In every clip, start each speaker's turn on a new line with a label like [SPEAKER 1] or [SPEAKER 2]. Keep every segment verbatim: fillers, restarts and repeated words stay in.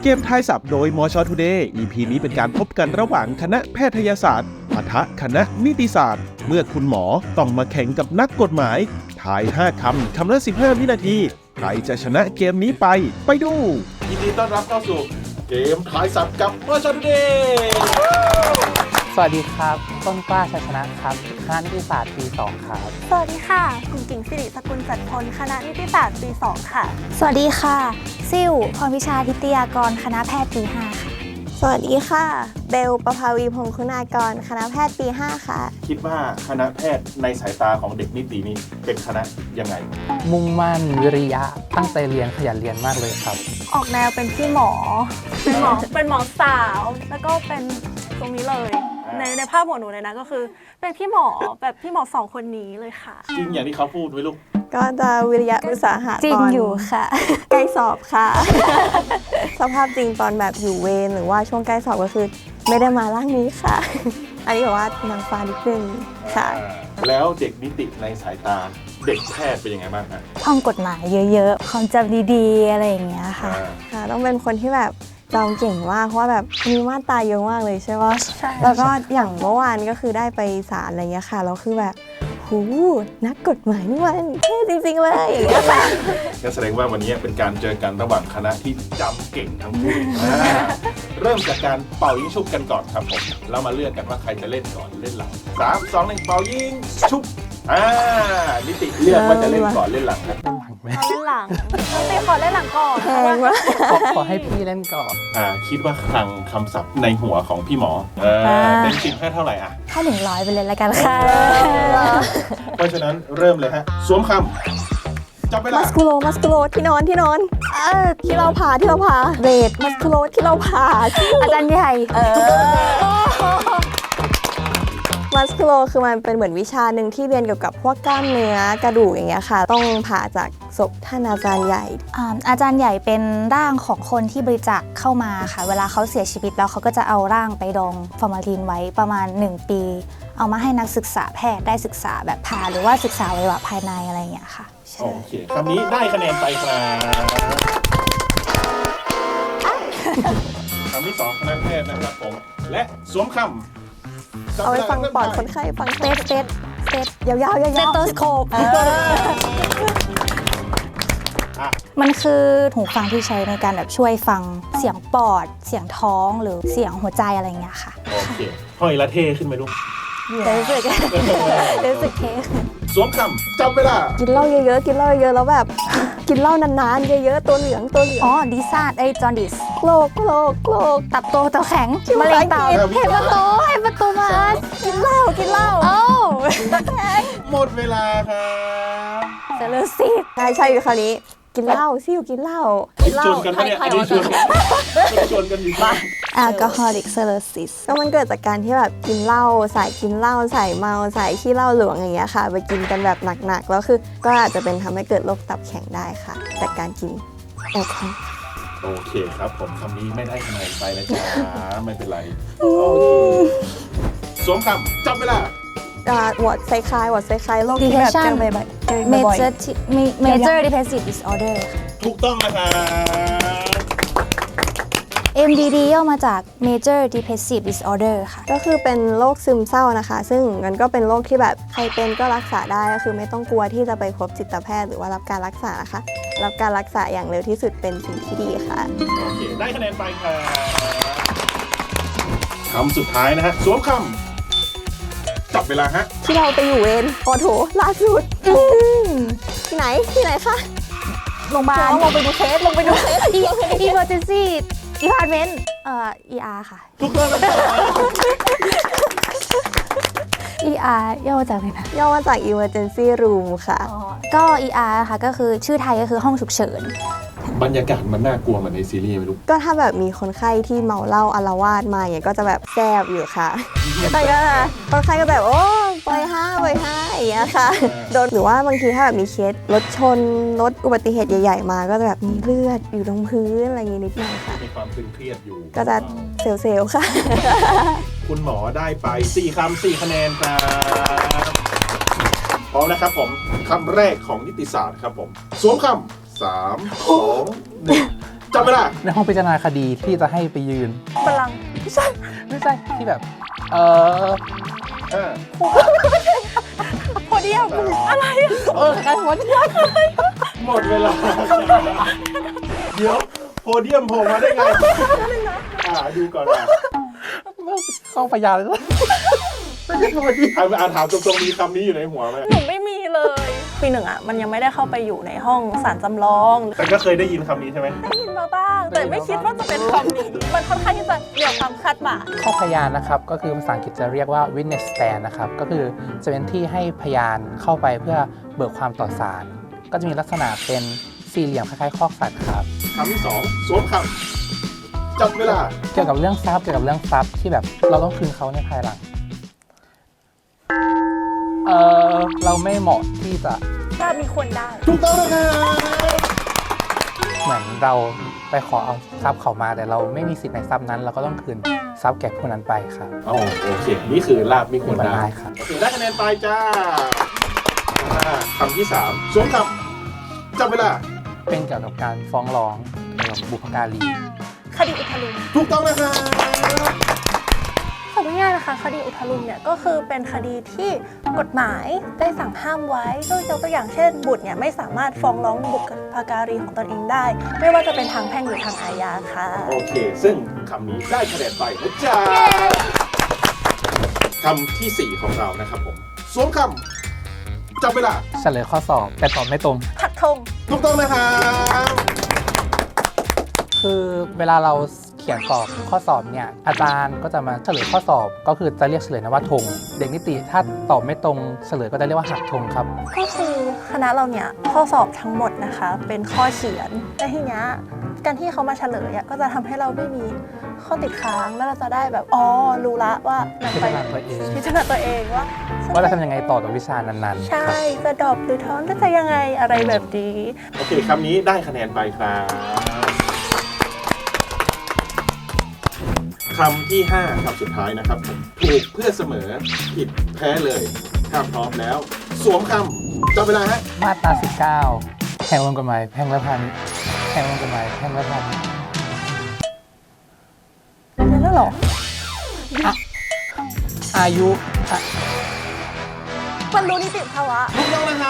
[SPEAKER 1] เกมทายศัพท์โดยมช Today อี พี นี้เป็นการพบกันระหว่างคณะแพทยศาสตร์ปะทะคณะนิติศาสตร์เมื่อคุณหมอต้องมาแข่งกับนักกฎหมายทายห้าคำคำละสิบห้าวินาทีใครจะชนะเกมนี้ไปไปดูยินดีต้อนรับเข้าสู่เกมทายศัพท์กับมช Today
[SPEAKER 2] สวัสดีครับต้นกล้าชัยชนะครับคณะนิติศาสตร์ปีสองครับ
[SPEAKER 3] สวัสดีค่ะคุณกิ่งสิริสกุลจัดพลคณะนิติศาสตร์ปีสองค่ะ
[SPEAKER 4] สวัสดีค่ะซิ่วพรพิชาทิตยากรคณะแพทย์ปีห้าค่ะ
[SPEAKER 3] สวัสดีค่ะเบลประภาวีพงศ์คุณากรคณะแพทย์ปีห้าค่ะ
[SPEAKER 1] คิดว่าคณะแพทย์ในสายตาของเด็กนิตินี้เป็นคณะยังไง
[SPEAKER 2] มุ่งมั่นวิริยะตั้งใจเรียนขยันเรียนมากเลยครับ
[SPEAKER 3] ออกแนวเป็นพี่หมอเป็นหมอเป็นหมอสาวแล้วก็เป็นตรงนี้เลยในในภาพของหนูเลยนะก็คือเป็นพี่หมอแบบพี่หมอสองคนนี้เลยค่ะ
[SPEAKER 1] จริงอย่างที่เขาพูดไว้ลูก
[SPEAKER 3] ก็จะวิริยะอุตสาหะ
[SPEAKER 4] จริงอยู่ค่ะ
[SPEAKER 3] ใกล้สอบค่ะ สภาพจริงตอนแบบอยู่เวรหรือว่าช่วงใกล้สอบก็คือไม่ได้มาร่างนี้ค่ะ อันนี้แบบว่านางฟ้านิดนึงค่ะ
[SPEAKER 1] แล้วเด็กนิติในสายตาเด็กแพทย์เป็นยังไงบ้างคะ
[SPEAKER 4] ท่องกฎหมายเยอะๆความจำดีๆอะไรอย่างเงี้ยค่ะ
[SPEAKER 3] ค่ะต้องเป็นคนที่แบบจำเก่งมากเพราะว่าแบบมีมาตราเยอะมากเลยใช่ไหม
[SPEAKER 4] ใช่
[SPEAKER 3] แล้วก็อย่างเมื่อวานก็คือได้ไปศาลอะไรเงี้ยค่ะแล้วคือแบบหูนักกฎหมายนี่มันเท่จริงๆเลยอย่างเงี้ยค่ะ
[SPEAKER 1] นั่นแสดงว่าวันนี้เป็นการเจอกันระหว่างคณะที่จำเก่งทั้งคู่เริ่มจากการเป่ายิงชุบกันก่อนครับผมเรามาเลือกกันว่าใครจะเล่นก่อนเล่นหลังสามสองหนึ่งเป่ายิงชุบอ่านิติเลือกว่าจะเล่นก่อนเล่นหลังครับ
[SPEAKER 3] เล่นหลังนิติขอเล่นหลังก่อนแพงวะ
[SPEAKER 2] ขอให้พี่เล่นก่อน
[SPEAKER 1] อ่าคิดว่าคลังคำศัพท์ในหัวของพี่หมอเออเป็นสิบให้เท่าไหร่อ่ะ
[SPEAKER 4] ให้หนึ่งร้อยไปเลยละกันค่ะ
[SPEAKER 1] เพราะฉะนั้นเริ่มเลยฮะสวมคำจับเวลา
[SPEAKER 3] มัสคูโลมัสคูโลที่นอนที่นอนเออที่เราผ่าที่เราผ่าเรดมัสคูโลที่เราผ่า
[SPEAKER 4] อาจารย์ใหญ่
[SPEAKER 3] เออมัสคูโลคือมันเป็นเหมือนวิชาหนึ่งที่เรียนเกี่ยวกับพวกกล้ามเนื้อกระดูกอย่างเงี้ยค่ะต้องผ่าจากศพท่านอาจารย์ใหญ่
[SPEAKER 4] อาจารย์ใหญ่เป็นร่างของคนที่บริจาคเข้ามาค่ะเวลาเขาเสียชีวิตแล้วเขาก็จะเอาร่างไปดองฟอร์มาลีนไว้ประมาณหนึ่งปีเอามาให้นักศึกษาแพทย์ได้ศึกษาแบบผ่าหรือว่าศึกษาอวัยวะภายในอะไรอย่างเงี้ยค่ะ
[SPEAKER 1] โอเคคำนี้ได้คะแนนไปครับคำที่สองคณะแพทย์นะครับผมและสวมคำ
[SPEAKER 3] เอาไปฟังปอดคนไข้ฟัง
[SPEAKER 4] เซตเซตเซต
[SPEAKER 3] ยาวๆยาวๆ
[SPEAKER 4] เซตโตสโคปมันคือหูฟังที่ใช้ในการแบบช่วยฟังเสียงปอดเสียงท้องหรือเสียงหัวใจอะไรเงี้ยค่ะ
[SPEAKER 1] โอเคห้อยละเท่ขึ้นไหมลูก
[SPEAKER 4] รู้สึกรู้สึกเท่
[SPEAKER 1] สวมคำจับเวลา
[SPEAKER 3] กินเหล้าเยอะๆกินเหล้าเยอะๆแล้วแบบกินเหล้านานๆเยอะๆตัวเหลืองตัวเหลือง
[SPEAKER 4] อ๋อดิซาดไอจอนดิส
[SPEAKER 3] โกรกโกรกโกรก
[SPEAKER 4] ตับโตตับแข็งมะเร็งตับเห็นประตูเห็นประตูมา
[SPEAKER 3] กินเหล้ากินเหล้า
[SPEAKER 4] โอ้
[SPEAKER 3] ตับแข็ง
[SPEAKER 1] หมดเวลาครับ
[SPEAKER 4] เซลลูซิต
[SPEAKER 3] ใช่ใช่คราวนี้กินเหล้าซิ่วกินเหล้า
[SPEAKER 1] กินเหล้าชวนกันปะเนี่ยอันนี้ชวนกันชวนกันอยู่บ้าน
[SPEAKER 4] แอลกอฮอลิกเซอร์ซิส
[SPEAKER 3] ก็มันเกิดจากการที่แบบกินเหล้าใส่กินเหล้าใส่เมาใส่ขี้เหล้าหลวงอย่างเงี้ยค่ะไปกินกันแบบหนักๆแล้วคือก็อาจจะเป็นทำให้เกิดโรคตับแข็งได้ค่ะจากการกินแอลกอฮอล์
[SPEAKER 1] โอเคครับผมคำนี้ไม่ได้คะแนนไปนะจ๊ะไม่เป็นไรโอเคสวมคำจับเวลาว
[SPEAKER 3] อร์ดไซคลายวอร์ดไซคลายโรคที่แบบเจอบ่อยๆ
[SPEAKER 4] major major depressive disorder
[SPEAKER 1] ถูกต้องนะครับ
[SPEAKER 4] เอ็ม ดี ดี ย่อมาจาก major depressive disorder ค่ะ
[SPEAKER 3] ก็คือเป็นโรคซึมเศร้านะคะซึ่งมันก็เป็นโรคที่แบบใครเป็นก็รักษาได้ก็คือไม่ต้องกลัวที่จะไปพบจิตแพทย์หรือว่ารับการรักษานะคะรับการรักษาอย่างเร็วที่สุดเป็นสิ่งที่ดีค่ะ
[SPEAKER 1] โอเคได้คะแนนไปค่ะคำสุดท้ายนะฮะสวมคำจับเวลาฮะ
[SPEAKER 3] ที่เราไปอยู่เวรโอโถล่าสุดที่ไหนที่ไหนคะ
[SPEAKER 4] โรงพยาบาล
[SPEAKER 3] ลงไปดูเคสลงไปดูเคส
[SPEAKER 4] emergency department เอ่อ อี อาร์ ค่ะ
[SPEAKER 1] ทุกเรื่องเลย
[SPEAKER 4] อี อาร์ ย่อมาจากอะไรนะ
[SPEAKER 3] ย่อมาจาก emergency room ค่ะ
[SPEAKER 4] ก็ อี อาร์ ค่ะก็คือชื่อไทยก็คือห้องฉุกเฉิน
[SPEAKER 1] บรรยากาศมันน่ากลัวเหมือนในซีรีส์ไหมลูก
[SPEAKER 3] ก็ถ้าแบบมีคนไข้ที่เมาเหล้าอาละวาดมาอย่างเงี้ยก็จะแบบแซ่บอยู่ค่ะแต่ก็คนไข้ก็แบบโอ้ปล่อยห้าปล่อยห้าอย่างเงี้ยค่ะโดนหรือว่าบางทีถ้าแบบมีเคสรถชนรถอุบัติเหตุใหญ่ๆมาก็จะแบบมีเลือดอยู่ตรงพื้นอะไรอย่างงี้นิดหน่อยค่ะ
[SPEAKER 1] มีความตึงเครียดอยู่
[SPEAKER 3] ก็จะเซลล์ค่ะ
[SPEAKER 1] คุณหมอได้ไปสี่คำสี่คะแนนครับพร้อมนะครับผมคำแรกของนิติศาสตร์ครับผมสวมคำสามสองหนึ่งจำเวลา
[SPEAKER 2] ในห้องพิจารณาคดีที่จะให้ไปยืน
[SPEAKER 3] บัลลังก์ไม่ใช่
[SPEAKER 2] ไม่ใช่ที่แบบ เออ
[SPEAKER 1] เออ
[SPEAKER 3] โพเดียมอะไร
[SPEAKER 2] เออใครวะเนี่ย
[SPEAKER 1] หมดเวลา เดี๋ยวโพเดียมโผล่มาได้ไงอ่าดูก่อนนะ
[SPEAKER 2] เข้าพยานเลย
[SPEAKER 1] ไม่ใช่โพเดียมอ่าถามตรงๆมีคำนี้อยู่ในหัวไหม
[SPEAKER 3] หนูไม่มีเลยปีหนึ่งอ่ะมันยังไม่ได้เข้าไปอยู่ในห้องศาลจำลอง
[SPEAKER 1] แต่ก็เคยได้ยินคำนี้ใช่ไหม
[SPEAKER 3] ได้ยินมาบ้าง แต่ไม่คิดว่าจะเป็นคำนี้มันค่อนข้างที่จะเหนือความคาดหมาย
[SPEAKER 2] ข้อพยานนะครับก็คือภาษาอังกฤษจะเรียกว่า witness stand นะครับก็คือจะเป็นที่ให้พยานเข้าไปเพื่อเบิกความต่อศาลก็จะมีลักษณะเป็นสี่เหลี่ยมคล้ายๆคอกสัตว์ครับ
[SPEAKER 1] คำที่สองสวมคำจับเวลา
[SPEAKER 2] เกี่ยวกับเรื่องทรัพย์เกี่ยวกับเรื่องทรัพย์ที่แบบเราต้องคืนเขาในภายหลังเออเราไม่เหมาะที่จะ
[SPEAKER 3] ถ้ามีคนได้
[SPEAKER 1] ถูกต้องนะครับ
[SPEAKER 2] เหมือนเราไปขอเอาทรัพย์เขามาแต่เราไม่มีสิทธิ์ในทรัพย์นั้น เราก็ต้องคืนทรัพย์แก่ผู้นั้นไปครับ
[SPEAKER 1] อ๋อโอเค นี่คือลาบมีคนได้
[SPEAKER 2] ได้ครับ
[SPEAKER 1] โอเคได้คะแนนไปจ้าอ่าคำที่สามสวมคำจับเวลา
[SPEAKER 2] เป็นเกี่ยวกับการฟ้องร้องเกี่ยวกับบุพการี
[SPEAKER 3] คดีอุทลุม
[SPEAKER 1] ถูกต้องนะครับ
[SPEAKER 3] สรุปง่ายๆนะคะคดีอุทลุมเนี่ยก็คือเป็นคดีที่กฎหมายได้สั่งห้ามไว้โดยยกตัวอย่างเช่น บุตรเนี่ยไม่สามารถฟ้องร้องบุพการีของตนเองได้ ไม่ว่าจะเป็นทางแพ่งหรือทางอาญาค่ะ
[SPEAKER 1] โอเค ซึ่งคำนี้ได้คะแนนไปนะจ๊ะคำที่สี่ของเรานะครับผมสวมคำจับเวลา
[SPEAKER 2] เฉลยข้อสอบแต่ตอบไม่ตรง
[SPEAKER 3] ถักธง
[SPEAKER 1] ถูกต้องนะครับ
[SPEAKER 2] คือเวลาเราเขียนสอบข้อสอบเนี่ยอาจารย์ก็จะมาเฉลยข้อสอบ ก็คือจะเรียกเฉลยนะว่าธงเด็กนิติถ้าตอบไม่ตรงเฉลยก็จะเรียกว่าหักธงครับ
[SPEAKER 3] ก็คือคณะเราเนี่ยข้อสอบทั้งหมดนะคะเป็นข้อเขียนแต่ทีเนี้ยการที่เขามาเฉลยอะก็จะทำให้เราไม่มีข้อติดค้างแล้วเราจะได้แบบอ๋อรู้ละว่านำ
[SPEAKER 2] พิ
[SPEAKER 3] ไป
[SPEAKER 2] จารณาตัวเอง
[SPEAKER 3] พิจารณาตัวเองว่า
[SPEAKER 2] ว่าจะทำยังไงต่อกับวิชานั้นๆ
[SPEAKER 3] ใช่
[SPEAKER 2] ครับ
[SPEAKER 3] จะดรอปหรือท้อนจะยังไงอะไรแบบนี้
[SPEAKER 1] โอเคคำนี้ได้คะแนนไปครับคำที่ห้าคำสุดท้ายนะครับผมถูกเพื่อเสมอผิดแพ้เลยถ้าพร้อมแล้ว สวมคำจับเวลาฮะ
[SPEAKER 2] มาตราสิบเก้าแห่งวงกฎหมายแพ่งและพาณิชย์แห่งวงกฎหมายแพ่งและพาณิชย์
[SPEAKER 3] แล้วเหรอ
[SPEAKER 2] อายุอ่ะ
[SPEAKER 3] บรรลุนิติภาวะ
[SPEAKER 1] ถูกต้องนะครับ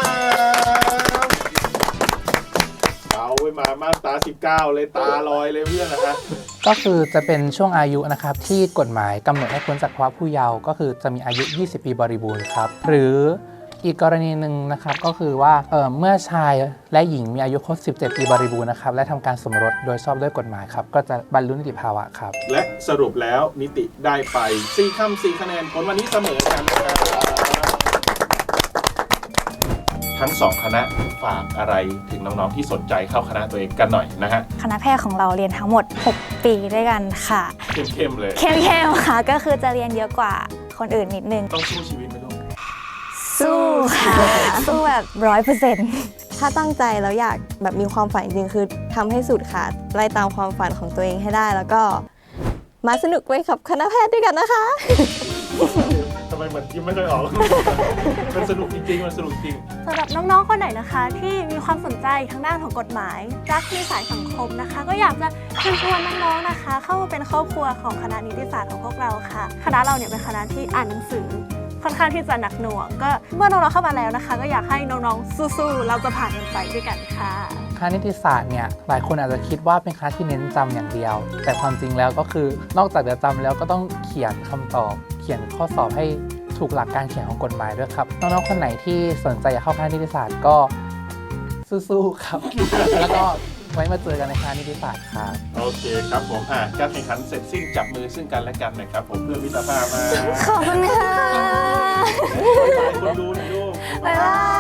[SPEAKER 1] เอาไว้มามาตราสิบเก้าเลยตาลอยเลยเพื่อนนะฮะ
[SPEAKER 2] ก็คือจะเป็นช่วงอายุนะครับที่กฎหมายกำหนดให้พ้นจากภาวะผู้เยาว์ก็คือจะมีอายุ ยี่สิบ ปีบริบูรณ์ครับหรืออีกกรณีหนึ่งนะครับก็คือว่าเอ่อเมื่อชายและหญิงมีอายุครบ สิบเจ็ด ปีบริบูรณ์นะครับและทำการสมรสโดยชอบด้วยกฎหมายครับก็จะบรรลุนิติภาวะครับ
[SPEAKER 1] และสรุปแล้วนิติได้ไปสี่คำสี่คะแนนผลวันนี้เสมอกันนะครับทั้งสองคณะฝากอะไรถึงน้องๆที่สนใจเข้าคณะตัวเองกันหน่อยนะฮะ
[SPEAKER 4] คณะแพทย์ของเราเรียนทั้งหมด หก ปีด้วยกันค่ะ
[SPEAKER 1] เข้มๆเลย
[SPEAKER 4] เข้มๆค่ะก็คือจะเรียนเยอะกว่าคนอื่นนิดนึง
[SPEAKER 1] ต้องสู้ชีวิตไหมลูก
[SPEAKER 4] สู้ค่ะ สู้แบบร้อยเปอร์เซ็นต์
[SPEAKER 3] ถ้าตั้งใจแล้วอยากแบบมีความฝันจริงๆคือทำให้สุดค่ะไล่ตามความฝันของตัวเองให้ได้แล้วก็มาสนุกไปกับคณะแพทย์ด้วยกันนะคะ
[SPEAKER 1] ทำไมเหมือนยิ้มไม่ค่อยออก มันสนุกจริงๆมันสนุกจริง
[SPEAKER 5] สำหรับน้องๆ คนไหนนะคะที่มีความสนใจทางด้านของกฎหมายรักในสายสังคมนะคะ ก็อยากจะเชิญชวนน้องๆ นะคะ เข้ามาเป็นครอบครัวของคณะนิติศาสตร์ของพวกเราค่ะ คณะเราเนี่ยเป็นคณะที่อ่านหนังสือค่อนข้างที่จะหนักหน่วงก็เมื่อน้องๆ เข้ามาแล้วนะคะ ก็อยากให้น้องๆ สู้ๆ เราจะผ่านมันไปด้วยกันค่ะ
[SPEAKER 2] คณะนิติศาสตร์เนี่ยหลายคนอาจจะคิดว่าเป็นคณะที่เน้นจำอย่างเดียว แต่ความจริงแล้วก็คือนอกจากจะจำแล้วก็ต้องเขียนคำตอบ เขียนข้อสอบให้ถูกหลักการเขียนของกฎหมายด้วยครับน้องๆคนไหนที่สนใจอยากเข้าคณะนิติศาสตร์ก็สู้ๆครับ แล้วก็ไว้มาเจอกันในคณะนิติศาสตร์ครับ
[SPEAKER 1] โอเคครับผมอ่ะการแข่งขันเสร็จสิ้นจับมือซึ่งกันและกันหนะครับผมเพื่อมิตรภาพมา
[SPEAKER 4] ขอบคุณค่ะ
[SPEAKER 1] คนดูหน่อยลูก
[SPEAKER 4] บ๊ายบาย